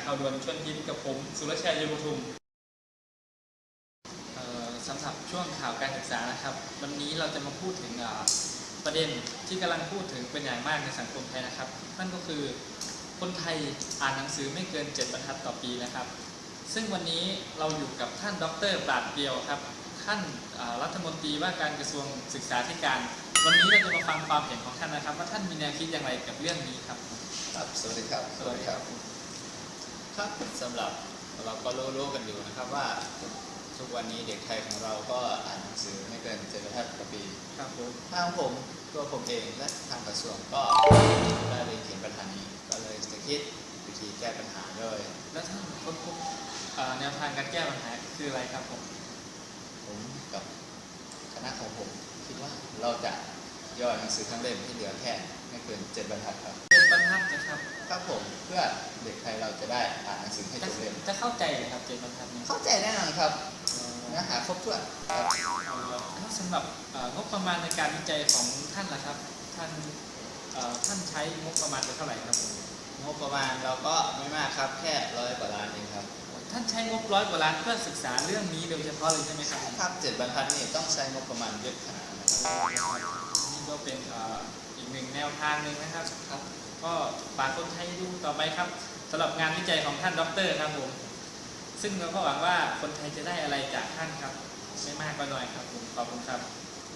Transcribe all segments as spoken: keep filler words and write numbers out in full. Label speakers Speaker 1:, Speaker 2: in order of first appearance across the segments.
Speaker 1: ข่าวด่วนชวนทิพย์กับผมสุรชัย เยมปทุมสำหรับช่วงข่าวการศึกษานะครับวันนี้เราจะมาพูดถึงประเด็นที่กำลังพูดถึงเป็นอย่างมากในสังคมไทยนะครับนั่นก็คือคนไทยอ่านหนังสือไม่เกินเจ็ดบรรทัดต่อปีนะครับซึ่งวันนี้เราอยู่กับท่านดร.ปราดเปรียวครับท่านรัฐมนตรีว่าการกระทรวงศึกษาธิการวันนี้เราจะมาฟังความเห็นของท่านนะครับว่าท่านมีแนวคิดอย่างไรกับเรื่องนี้ครับ
Speaker 2: ครับสวัสดีครับ
Speaker 1: สวัสดีครับ
Speaker 2: ครับสำหรับเราก็รู้ๆกันอยู่นะครับว่าทุกวันนี้เด็กไทยของเราก็อ่านหนังสือไม่เกินเจ็ดบรรทัดต่อปี
Speaker 1: ครับผม
Speaker 2: ทางผมตัวผมเองและทางกระทรวงก็ได้เรียนเขียนปัญหานี้ก็เลยจะคิดวิธีแก้ปัญหาด้วย
Speaker 1: แล้วท่านค้นพบแนวทางการแก้ปัญหาคืออะไรครับผม
Speaker 2: ผมกับคณะของผมคิดว่าเราจะย่อหนังสือทั้งเล่มที่เหลือแค่ไม่เกินเจ็ดบรรทัดครับ
Speaker 1: เจ็ดบรรทัดนะครับ
Speaker 2: ครับผมเพื่อเด็กไทยเราจะได้อ่านหนังสือให้จบเล่ม
Speaker 1: จะเข้าใจเลยครับเจ็ดบรรทัดนี้
Speaker 2: เข้าใจแน่นอนครับเนื้อหาครบถ้วน
Speaker 1: แล้วสำหรับงบประมาณในการวิจัยของท่านล่ะครับท่านท่านใช้งบประมาณไปเท่าไหร่ครับผม
Speaker 2: งบประมาณเราก็ไม่มากครับแค่ร้อยกว่าล้านเองครับ
Speaker 1: ท่านใช้งบร้อยกว่าล้านเพื่อศึกษาเรื่องนี้โดยเฉพาะเลยใช่ไหมครับ
Speaker 2: ครับเจ็ดบรรทัดนี่ต้องใช้งบประมาณเยอะขนาดนั้น
Speaker 1: นี่ก็เป็นอีกหนึ่งแนวทางหนึ่งนะครับครับก็ฝากคนไทยดูต่อไปครับสำหรับงานวิจัยของท่านดร.ครับผมซึ่งเราก็หวังว่าคนไทยจะได้อะไรจากท่านครับไม่มากก็น้อยครับผมขอบคุณครับ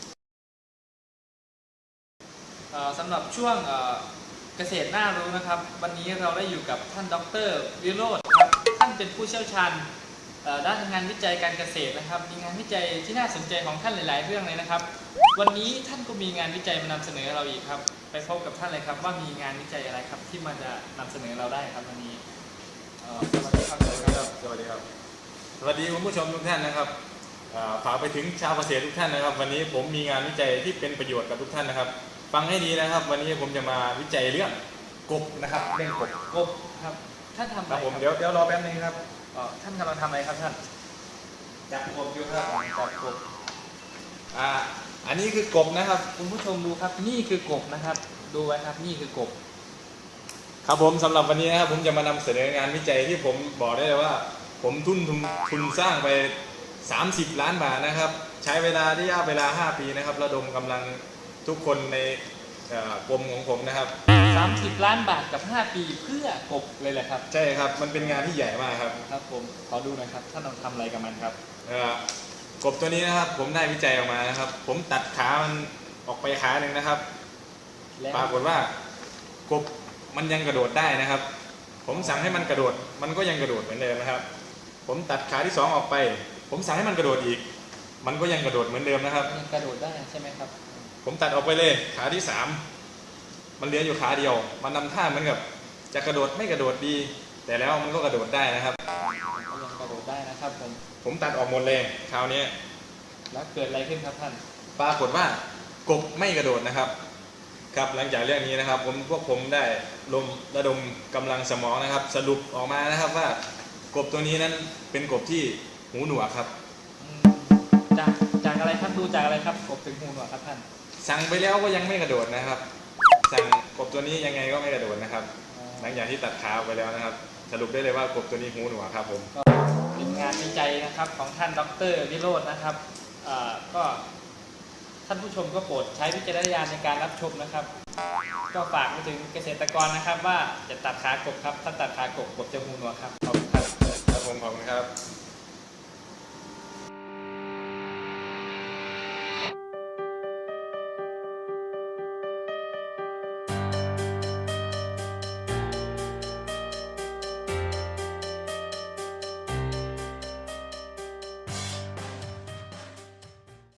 Speaker 1: สำหรับช่วงเกษตรน่ารู้นะครับวันนี้เราได้อยู่กับท่านดร.วิโรจน์ครับท่านเป็นผู้เชี่ยวชาญด้านงานวิจัยการเกษตรนะครับมีงานวิจัยที่น่าสนใจของท่านหลายๆเรื่องเลยนะครับวันนี้ท่านก็มีงานวิจัยมานำเสนอเราอีกครับไปพบกับท่านเลยครับว่ามีงานวิจัยอะไรครับที่มันจะนำเสนอเราได้ครับวันนี้
Speaker 3: สวัสดีครับสวัสดีครับสวัสดีครับสวัสดีคุณผู้ชมทุกท่านนะครับฝากไปถึงชาวเกษตรทุกท่านนะครับวันนี้ผมมีงานวิจัยที่เป็นประโยชน์กับทุกท่านนะครับฟังให้ดีนะครับวันนี้ผมจะมาวิจัยเรื่องกบนะครับเรื่องกบ
Speaker 1: กบครับท่านทำอะไร
Speaker 3: ครับผมเดี๋ยวเดี๋ยวรอแป๊บนึงครับ
Speaker 1: ท่านกำลังทำอะไรครับท่าน
Speaker 3: จับกบอยู่ครับจับกบอ่าอันนี้คือกบนะครับ
Speaker 1: คุณผู้ชมดูครับนี่คือกบนะครับดูไว้ครับนี่คือกบ
Speaker 3: ครับผมสำหรับวันนี้นะครับผมจะมานำเสนองานวิจัยที่ผมบอกได้เลยว่าผมทุนทุนทุนสร้างไปสามสิบล้านบาทนะครับใช้เวลาที่ยาเวลาห้าปีนะครับระดมกำลังทุกคนในกรมของผมนะครับ
Speaker 1: สามสิบล้านบาทกับห้าปีเพื่อกบเลยแหละครับ
Speaker 3: ใช่ครับมันเป็นงานที่ใหญ่มากครับ
Speaker 1: ครับผมขอดูหน่อยครับท่านทำอะไรกับมันครับ
Speaker 3: กบตัวนี้นะครับผมได้วิจัยออกมานะครับผมตัดขามันออกไปขาหนึ่งนะครับปรากฏว่ากบมันยังกระโดดได้นะครับผมสั่งให้มันกระโดดมันก็ยังกระโดดเหมือนเดิมนะครับผมตัดขาที่สองออกไปผมสั่งให้มันกระโดดอีกมันก็ยังกระโดดเหมือนเดิมนะครับ
Speaker 1: ยังกระโดดได้ใช่ไหมครับ
Speaker 3: ผมตัดออกไปเลยขาที่สามมันเหลืออยู่ขาเดียวมันนำท่าเหมือนกับจะกระโดดไม่กระโดดดีแต่แล้วมันก็กระโดดได้นะครับ
Speaker 1: ยังกระโดดได้นะครับผม
Speaker 3: ผมตัดออกหมดเลยคราวนี้
Speaker 1: แล้วเกิดอะไรขึ้นครับท่าน
Speaker 3: ปรากฏว่ากบไม่กระโดดนะครับครับหลังจากเรื่องนี้นะครับผมพวกผมได้ลมระดมกำลังสมองนะครับสรุปออกมานะครับว่ากบตัวนี้นั้นเป็นกบที่หูหนวกครับ
Speaker 1: จากจากอะไรครับดูจากอะไรครับกบถึงหูหนวกครับท่าน
Speaker 3: สั่งไปแล้วก็ยังไม่กระโดดนะครับสั่งกบตัวนี้ยังไงก็ไม่กระโดดนะครับหลังจากที่ตัดขาไปแล้วนะครับสรุปได้เลยว่ากบตัวนี้หูหนวกครับผม
Speaker 1: เป็นงานวิจัยนะครับของท่านดร.วิโรจน์นะครับก็ท่านผู้ชมก็โปรดใช้วิจารณญาณในการรับชมนะครับก็ฝากไปถึงเกษตรกรนะครับว่าจะตัดขากบครับถ้าตัดขากบกบจะหูหนวกครับขอบคุณครับ
Speaker 3: ครับผมขอบคุณครับ